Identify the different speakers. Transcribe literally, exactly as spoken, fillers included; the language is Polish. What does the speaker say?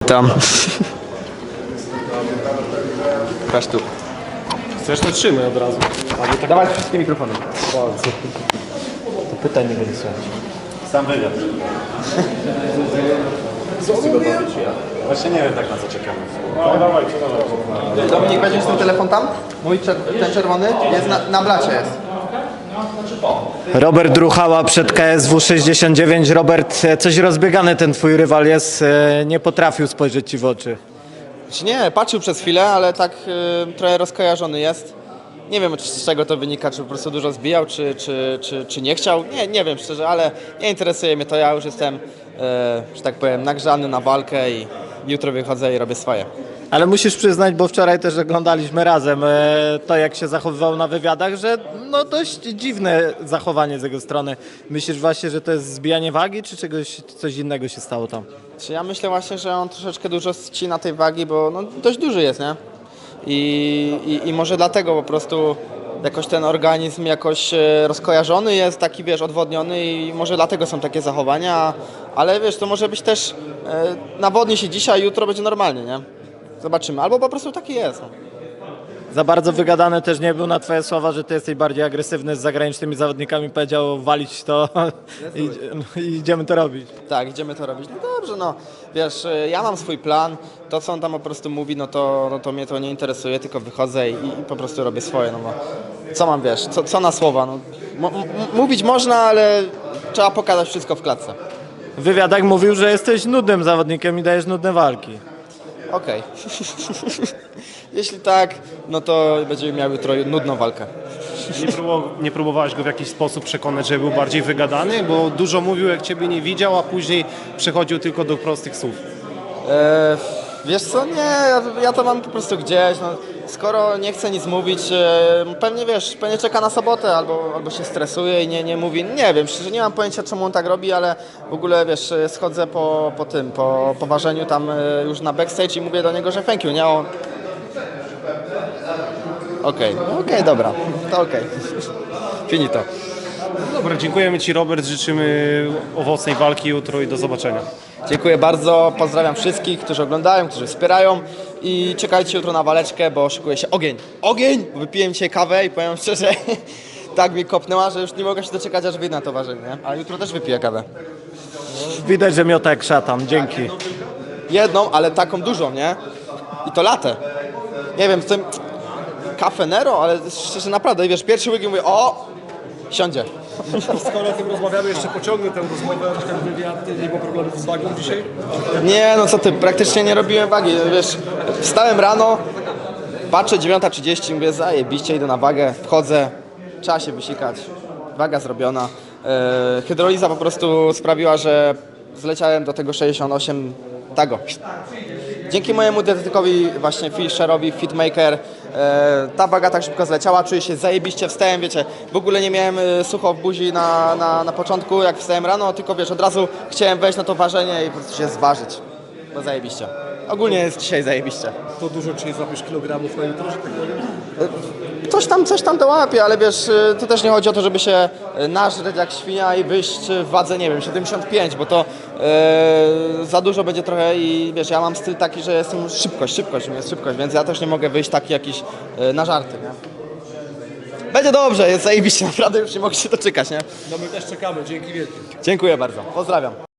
Speaker 1: Tam. Patrz tu.
Speaker 2: Chcesz, to trzymaj od razu.
Speaker 1: Tak... Dawaj wszystkie mikrofony.
Speaker 2: To pytań nie będzie słychać.
Speaker 3: Sam wywiad. Co mówię? Właśnie nie wiem tak na co czekamy.
Speaker 2: No dawajcie, dawajcie.
Speaker 1: Dominik, weźmiesz ten telefon tam? Mój czer ten czerwony jest na, na blacie jest.
Speaker 4: Robert Druchała przed K S W sześćdziesiąt dziewięć. Robert, coś rozbiegany ten twój rywal jest, nie potrafił spojrzeć ci w oczy.
Speaker 1: Czy nie, patrzył przez chwilę, ale tak y, trochę rozkojarzony jest. Nie wiem, z czego to wynika, czy po prostu dużo zbijał, czy, czy, czy, czy nie chciał. Nie, nie wiem szczerze, ale nie interesuje mnie to. Ja już jestem, y, że tak powiem, nagrzany na walkę i jutro wychodzę i robię swoje.
Speaker 4: Ale musisz przyznać, bo wczoraj też oglądaliśmy razem to, jak się zachowywał na wywiadach, że no dość dziwne zachowanie z jego strony. Myślisz właśnie, że to jest zbijanie wagi, czy czegoś, coś innego się stało tam?
Speaker 1: Czy ja myślę właśnie, że on troszeczkę dużo ścina tej wagi, bo no, dość duży jest, nie? I, i, I może dlatego po prostu jakoś ten organizm jakoś e, rozkojarzony jest, taki wiesz, odwodniony i może dlatego są takie zachowania, ale wiesz, to może być też e, nawodni się dzisiaj, jutro będzie normalnie, nie? Zobaczymy, albo po prostu taki jest. No.
Speaker 4: Za bardzo wygadany też nie był na twoje słowa, że ty jesteś bardziej agresywny z zagranicznymi zawodnikami, powiedział walić to i, no, i idziemy to robić.
Speaker 1: Tak, idziemy to robić. No dobrze, no wiesz, e, ja mam swój plan, to co on tam po prostu mówi, no to, no to mnie to nie interesuje, tylko wychodzę i, i po prostu robię swoje, no bo co mam, wiesz, co, co na słowa, no M mówić można, ale trzeba pokazać wszystko w klatce.
Speaker 4: W wywiadach mówił, że jesteś nudnym zawodnikiem i dajesz nudne walki.
Speaker 1: Okej. Jeśli tak, no to będziemy miały jutro nudną walkę.
Speaker 2: Nie, próbował, nie próbowałeś go w jakiś sposób przekonać, że był bardziej wygadany? Bo dużo mówił, jak ciebie nie widział, a później przechodził tylko do prostych słów.
Speaker 1: E, wiesz co, nie, ja, ja to mam po prostu gdzieś, no, skoro nie chce nic mówić, e, pewnie wiesz, pewnie czeka na sobotę albo, albo się stresuje i nie, nie mówi, nie wiem, szczerze nie mam pojęcia czemu on tak robi, ale w ogóle wiesz, schodzę po, po tym, po, po ważeniu tam e, już na backstage i mówię do niego, że thank you, nie, on... Okej, okay. okej, okay, dobra, to okej, okay. Finito.
Speaker 2: Dobra, dziękujemy ci, Robert, życzymy owocnej walki jutro i do zobaczenia.
Speaker 1: Dziękuję bardzo, pozdrawiam wszystkich, którzy oglądają, którzy wspierają i czekajcie jutro na waleczkę, bo szykuje się ogień. Ogień! Wypiłem dzisiaj kawę i powiem szczerze, tak mnie kopnęła, że już nie mogę się doczekać, aż wyjdę na to ważenie, nie? Ale jutro też wypiję kawę.
Speaker 4: Widać, że miota jak szatan, dzięki.
Speaker 1: Jedną, ale taką dużą, nie? I to latę. Nie wiem, z tym Cafe Nero, ale szczerze naprawdę, wiesz, pierwszy łyk i mówię, o, siądzie.
Speaker 5: Skoro o tym rozmawiamy, jeszcze pociągnę tę rozmowę, ten wywiad, nie było problemów z wagą dzisiaj?
Speaker 1: Nie, no co ty, praktycznie nie robiłem wagi, wiesz, wstałem rano, patrzę dziewiąta trzydzieści, mówię, zajebiście, idę na wagę, wchodzę, trzeba się wysikać, waga zrobiona. Yy, hydroliza po prostu sprawiła, że zleciałem do tego sześćdziesiąt osiem, tago. Dzięki mojemu dietetykowi, właśnie Fisherowi, Fitmaker, e, ta waga tak szybko zleciała, czuję się zajebiście, wstałem, wiecie, w ogóle nie miałem e, sucho w buzi na, na, na początku, jak wstałem rano, tylko wiesz, od razu chciałem wejść na to ważenie i po prostu się zważyć, bo zajebiście. Ogólnie jest dzisiaj zajebiście.
Speaker 5: To dużo dzisiaj złapiesz kilogramów na jutro, że tak powiem?
Speaker 1: Coś tam, coś tam dołapię, ale wiesz, to też nie chodzi o to, żeby się nażreć jak świnia i wyjść w wadze, nie wiem, siedemdziesiąt pięć, bo to e, za dużo będzie trochę i wiesz, ja mam styl taki, że jestem szybkość, szybkość, jest szybkość, więc ja też nie mogę wyjść taki jakiś e, na żarty, nie? Będzie dobrze, jest zajebiście, naprawdę już nie mogę się doczekać, nie?
Speaker 5: No my też czekamy, dzięki wielkie.
Speaker 1: Dziękuję bardzo, pozdrawiam.